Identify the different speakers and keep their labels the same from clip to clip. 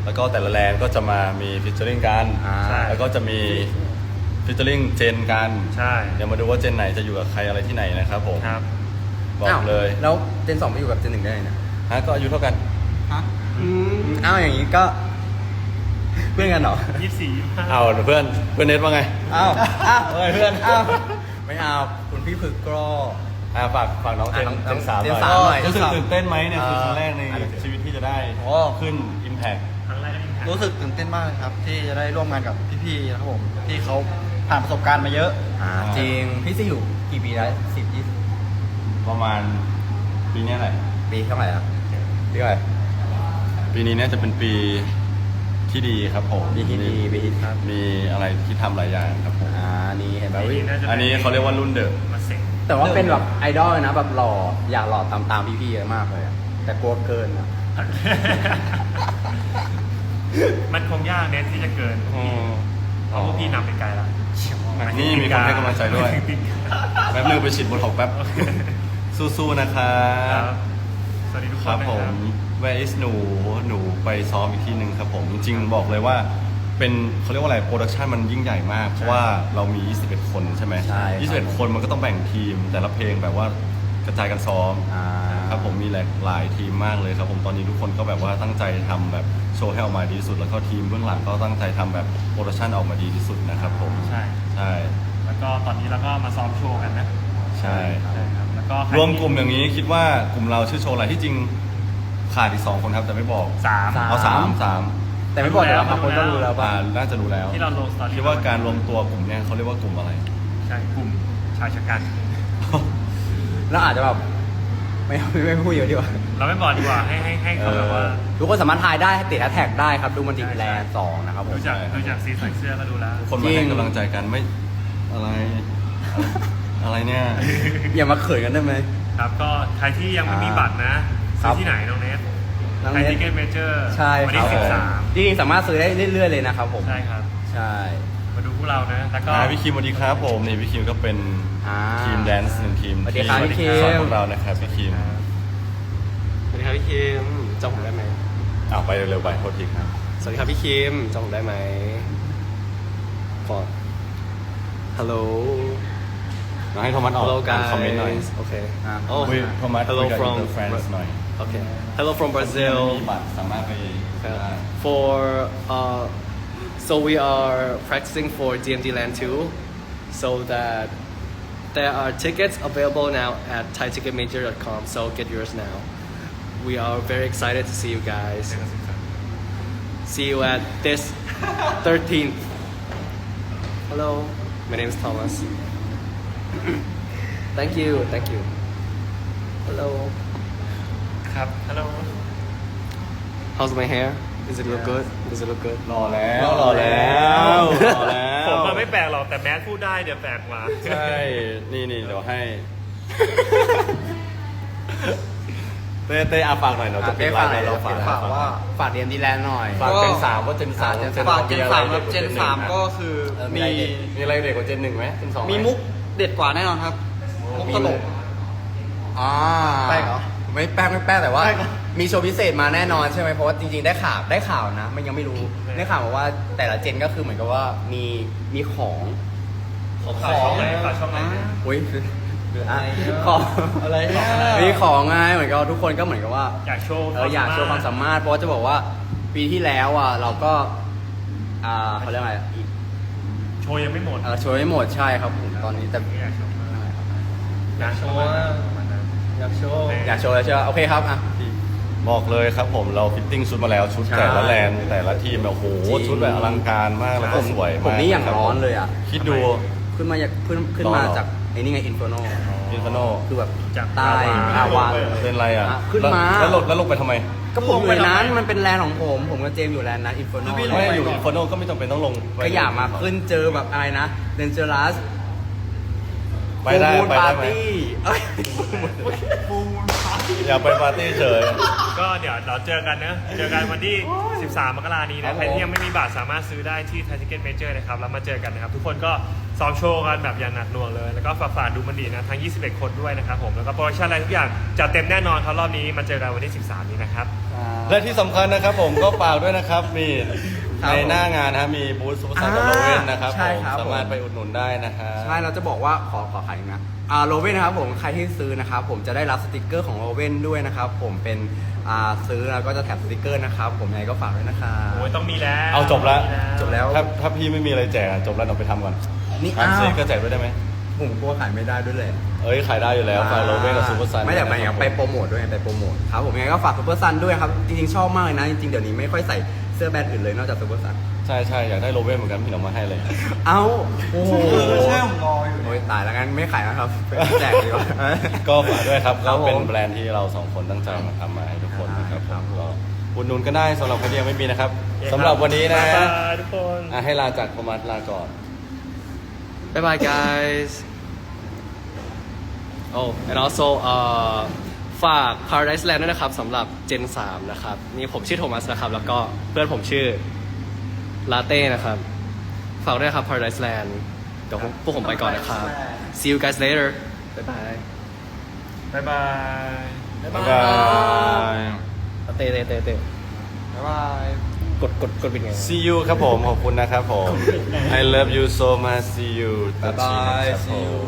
Speaker 1: แล้วก็แต่ละแลนด์ก็จะมามีฟิชเชอริงกันแล้วก็จะมีฟิชเชอริงเจนกัน
Speaker 2: ใช่
Speaker 1: เดี๋ยวมาดูว่าเจนไหนจะอยู่กับใครอะไรที่ไหนนะครับผม
Speaker 2: ครับ
Speaker 1: บอกเลย
Speaker 3: แล้วเจน 2ไปอยู่กับเจน 1ได้ไงเนี่ย
Speaker 1: ก็อายุเท่ากัน
Speaker 3: อ้าวอย่างนี้ก็เพื่อนกันเหรอ
Speaker 2: 24
Speaker 1: เอาเพื่อนเน็ตว่าไง
Speaker 3: อ้าวเพื่อนไม่เอาคุณพี่ฝึกก็
Speaker 1: ฝากน้องเจน3หน่อยรู้สึกตื่นเต้นไหมเนี่ยคือครั้งแรกในชีวิตที่จะได้ขึ้น Impact
Speaker 2: ครั้งแรกก็ Impact
Speaker 4: รู้สึกตื่นเต้นมากเลยครับที่จะได้ร่วมงานกับพี่ๆนะครับผมที่เขาผ่านประสบการณ์มาเยอะ
Speaker 3: จริงพี่จะอยู่กี่ปีแล้ว10-20
Speaker 1: ประมาณปีนี้แหละ
Speaker 3: ปีเท่าไหร่อ่ะปีเท่าไหร่
Speaker 1: ปีนี้เนี่ยจะเป็นปีที่ดีครับผม
Speaker 3: ปีที่ดีปีที่ครับ
Speaker 1: มีอะไรที่ทำหลายอย่างครับผม
Speaker 3: นี่เห็นไหม
Speaker 1: อันนี้เขาเรียกว่ารุ่นเดอะ
Speaker 3: แต่ว่าเป็นแบบไอดอลนะแบบหล่ออยากหล่อตามพี่ๆเยอะมากเลยแต่กลัวเกินนะ
Speaker 2: มันคงยากเน็ตที่จะเกินเพราะพวกพี่นำไปไกลแล้ว
Speaker 1: นี่มีคนให้กำลังใจด้วยแป๊บนึงไปฉีดโบท็อกแป๊บสู้ๆนะครับ
Speaker 2: สวัสดีทุกคน
Speaker 1: ครับผม Where is หนูไปซ้อมอีกที่หนึ่งครับผมจริงๆบอกเลยว่าเป็นเขาเรียกว่าอะไรโปรดักชันมันยิ่งใหญ่มากเพราะว่าเรามี21คนใช่ไหม21คนมันก็ต้องแบ่งทีมแต่ละเพลงแบบว่ากระจายกันซ้อมครับผมมีหลายทีมมากเลยครับผมตอนนี้ทุกคนก็แบบว่าตั้งใจทำแบบโชว์ให้ออกมาดีที่สุดแล้วก็ทีมเบื้องหลังก็ตั้งใจทำแบบโปรดักชันออกมาดีที่สุดนะครับผม
Speaker 2: ใช่แล้วก็ตอนนี้เราก็มาซ้อมโชว์กันนะ
Speaker 1: ใช่
Speaker 2: ครับแล้วก็
Speaker 1: รวมกลุ่มอย่างนี้คิดว่ากลุ่มเราชื่อโชว์อะไรที่จริงขาดอีก2คนครับแต่ไม่บอก
Speaker 2: 3
Speaker 1: เอา3
Speaker 3: แต่ไม่บอกแล้วบางคนก็รู้แล้วป่ะ
Speaker 1: น่าจะรู้แล้ว
Speaker 2: ที่เราลงสตอรี่
Speaker 1: คิดว่าการรวมตัวกลุ่มเนี้ยเขาเรียกว่ากลุ่มอะไร
Speaker 2: ใช่กลุ่มชายชะกัน
Speaker 3: แล้วอาจจะแบบไม่พูดเยอะดีกว่า
Speaker 2: เราไม่บอกดีกว่าให้เขาแบบว่า
Speaker 3: ทุกคนสามารถทายได้ติดแท็กได้ครับดูมันติดแลนด์2นะครับผม
Speaker 2: ดูจากสีใส่เสื้อก็ดูแล้ว
Speaker 1: คนมาให้กำลังใจกันไม่อะไรเนี่ย
Speaker 3: อย่ามาเขินกันได้ไหม
Speaker 2: ครับก็ใครที่ยังไม่มีบัตรนะซื้อที่ไหนน้องเนสไทยทิเก็ตเมเจอร์
Speaker 3: ใช่
Speaker 2: วันที่13
Speaker 3: จริงๆสามารถซื้อได้เรื่อยๆเลยนะครับผม
Speaker 2: ใช่ครับ
Speaker 3: ใช่
Speaker 2: มาดูพวกเรานะแล้วก็
Speaker 1: พี่คิมสวัสดีครับผมนี่พี่คิมก็เป็นทีมแดนซ์1ทีม
Speaker 3: สวัสดีครับพี่คิม
Speaker 1: สอนพวกเรานะครับพี่คิม
Speaker 5: สวัสดีครับพี่คิมจำผมได้ไหม
Speaker 1: ไปเร็วๆไปโทษทีครับ
Speaker 5: สวัสดีครับพี่คิมจำผมได้ไหมฟอร์ฮัลโหล
Speaker 1: ให้โทมัสออกคอมเมนต์หน่อย
Speaker 5: โอเค
Speaker 1: โทมัส
Speaker 5: Hello from
Speaker 1: France หน่อย
Speaker 5: Okay Hello from Brazil
Speaker 1: มีบัตรสามารถไป
Speaker 5: for so we are practicing for DMD Land 2 so that there are tickets available now at thaiticketmajor.com so get yours now we are very excited to see you guys see you at this 13th hello my name is Thomas thank you hello
Speaker 2: ครับ hello
Speaker 5: how's my hair does it look good
Speaker 1: รอแล้ว
Speaker 2: ผมไม่แปลกหรอกแต่แมสพูดได้เดี๋ยวแปลกกว่า
Speaker 1: ใช่นี่เดี๋ยวให้เต้ฝากหน่อยเราจะเป็นเรา
Speaker 3: ฝากเรียนดีแลนด์หน่อย
Speaker 1: ฝากเจน3ว่าเจน3
Speaker 4: ฝากเจน 3ครับเจน 3ก็คือ
Speaker 1: มีอะไรเด็กกว่าเจน1ไหมเจน2
Speaker 4: มีมุกเด็ดกว่าแน่นอนครับมุกตลก
Speaker 3: แป้งเหรอไม่แป้งแต่ว่ามีโชว์พิเศษมาแน่นอนใช่ไหมเพราะว่าจริงๆได้ข่าวนะมันยังไม่รู้ได้ข่าวมาว่าแต่ละเจนก็คือเหมือนกับว่ามีของ
Speaker 2: ช่องไหน
Speaker 3: อุ้ยของอะไรมีของไงเหมือนกับทุกคนก็เหมือนกับว่า
Speaker 2: อยากโชว์
Speaker 3: ความสามารถเพราะว่าจะบอกว่าปีที่แล้วเราก็เขาเรียกอะไร
Speaker 2: โชว์ยังไม่หมด
Speaker 3: โชว์ไม่หมดใช่ครับผมตอนนี้แต่
Speaker 2: อยากโชว์
Speaker 3: แล้วใช่ไหมโอเคครับ
Speaker 1: บอกเลยครับผมเราฟิตติ้งชุดมาแล้วชุดแต่ละแลนด์แต่ละทีมแบบโหชุดแบบอลังการมากแล้วก็สวยมาก
Speaker 3: ผมนี่อย่างร้อนเลย
Speaker 1: คิดดู
Speaker 3: ขึ้นมาจากไอ้นี่ไงอินเฟอร์โนคือแบบ
Speaker 1: ใต้
Speaker 3: วาน
Speaker 1: เป็นไร
Speaker 3: ขึ้นมา
Speaker 1: แล้วลงไปทำไม
Speaker 3: ก็ผมอยู่นั้นมันเป็นแลนด์ของผมกับเจมอยู่แลนด์นั้นอินเฟอร์โน
Speaker 1: ไม่อยู่อินเฟอร์โนก็ไม่จำเป็นต้องลง
Speaker 3: ก็อยากมาขึ้นเจอแบบอะไรนะเดนเจอรัส
Speaker 1: ไปได้
Speaker 3: ปาร์ตี้
Speaker 1: อยากไปปาร์ตี้เฉย
Speaker 2: ก็เดี๋ยวเราเจอกันนะเจอกันวันที่ 13 มกราคมนี้นะใครที่ยังไม่มีบัตรสามารถซื้อได้ที่ไทยทิเก็ตเมเจอร์นะครับแล้วมาเจอกันนะครับทุกคนก็ซ้อมโชว์กันแบบอย่างหนักหน่วงเลยแล้วก็ฝากดูมันดีนะทั้ง 21 คนด้วยนะครับผมแล้วก็โปรดักชั่นอะไรทุกอย่างจัดเต็มแน่นอนครับรอบนี้มาเจอกันวันที่ 13 นี้นะครับ
Speaker 1: และที่สำคัญนะครับผมก็ฝากด้วยนะครับมี
Speaker 3: ครับ
Speaker 1: ในหน้างานนะครับมีบูธซูเปอร์ไซด์กับโรเวนนะครับ
Speaker 3: ใช่
Speaker 1: ผม
Speaker 3: ครับ
Speaker 1: สามารถไปอุดหนุนได้นะครับ
Speaker 3: ใช่เราจะบอกว่าขอขายอีกนะโรเว่นนะครับผมใครที่ซื้อนะครับผมจะได้รับสติกเกอร์ของโรเว่นด้วยนะครับผมเป็นซื้อแล้วก็จะแถมสติกเกอร์นะครับผมยังไงก็ฝากด้วยนะครับ
Speaker 2: โอ้ยต้องมีแล้ว
Speaker 1: เอาจบแล้ว
Speaker 3: จบแล้ว
Speaker 1: ถ้าพี่ไม่มีอะไรแจกอะจบแล้วเราไปทำก่อน
Speaker 3: นี่
Speaker 1: อัน
Speaker 3: อ้าว
Speaker 1: ซีก็แจกด้วยได้ไหม
Speaker 3: ผมกลัวขายไม่ได้ด้วยเลย
Speaker 1: เอ้ยขายได้อยู่แล้วฝากโรเวนกับซูเปอร์ไซด์
Speaker 3: ไม่แต่ไปอย่างไปโปรโมทด้วยไปโปรโมทครับผมยังไงก็ฝากซูเปอร์ซันด้วยครับจริงๆชอบมากเลยนะจริงๆเดี๋ยวนี้ไม่ค่อยใส่เสื้อแบรนด์อื่นเลยนอกจากซูเปอร์ซัน
Speaker 1: ใช่ใช่อยากได้โรเวนเหมือนกันพี่หนอมมาให้เลย
Speaker 3: เอ้าโอ้โห
Speaker 4: ใช่ผมรออยู่
Speaker 3: โอ้ยตายแล้วงั้นไม่ขายนะครับแจกดีกว่า
Speaker 1: ก็ฝากด้วยครับ
Speaker 3: ครั
Speaker 1: ก็
Speaker 3: บผม
Speaker 1: เป็นแบรนด์ที่เราสองคนตั้งใจมาทำมาให้ทุกคนนะครับ
Speaker 3: ครับ
Speaker 1: ก็อุดหนุนก็ได้สำหรับใครที่ยังไม่มีนะครับสำหรับวันนี้นะ
Speaker 2: บ๊ายบายทุกคน
Speaker 1: ให้ลาจากประมาณลาก่อน
Speaker 5: Bye bye guys Oh and also ฝาก Paradise Land ด้วยนะครับสำหรับ Gen 3 นะครับนี่ผมชื่อโทมัสนะครับแล้วก็เพื่อนผมชื่อลาเต้นะครับฝากด้วยครับ Paradise Land เดี๋ยวพวกผมไปก่อนนะครับ See you guys later Bye bye
Speaker 2: บ๊ายบาย
Speaker 1: บ๊ายบาย
Speaker 5: เต้
Speaker 4: บ๊ายบาย
Speaker 5: กดปิดไง
Speaker 1: See you ครับผมขอบคุณนะครับผม I love you so much See you
Speaker 3: บ๊ายบาย
Speaker 1: ครับผม
Speaker 3: See you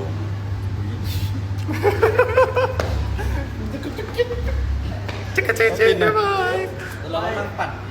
Speaker 1: จิกกะเจ๊เจ๊บ๊ายบาย
Speaker 4: เราต้องปั่น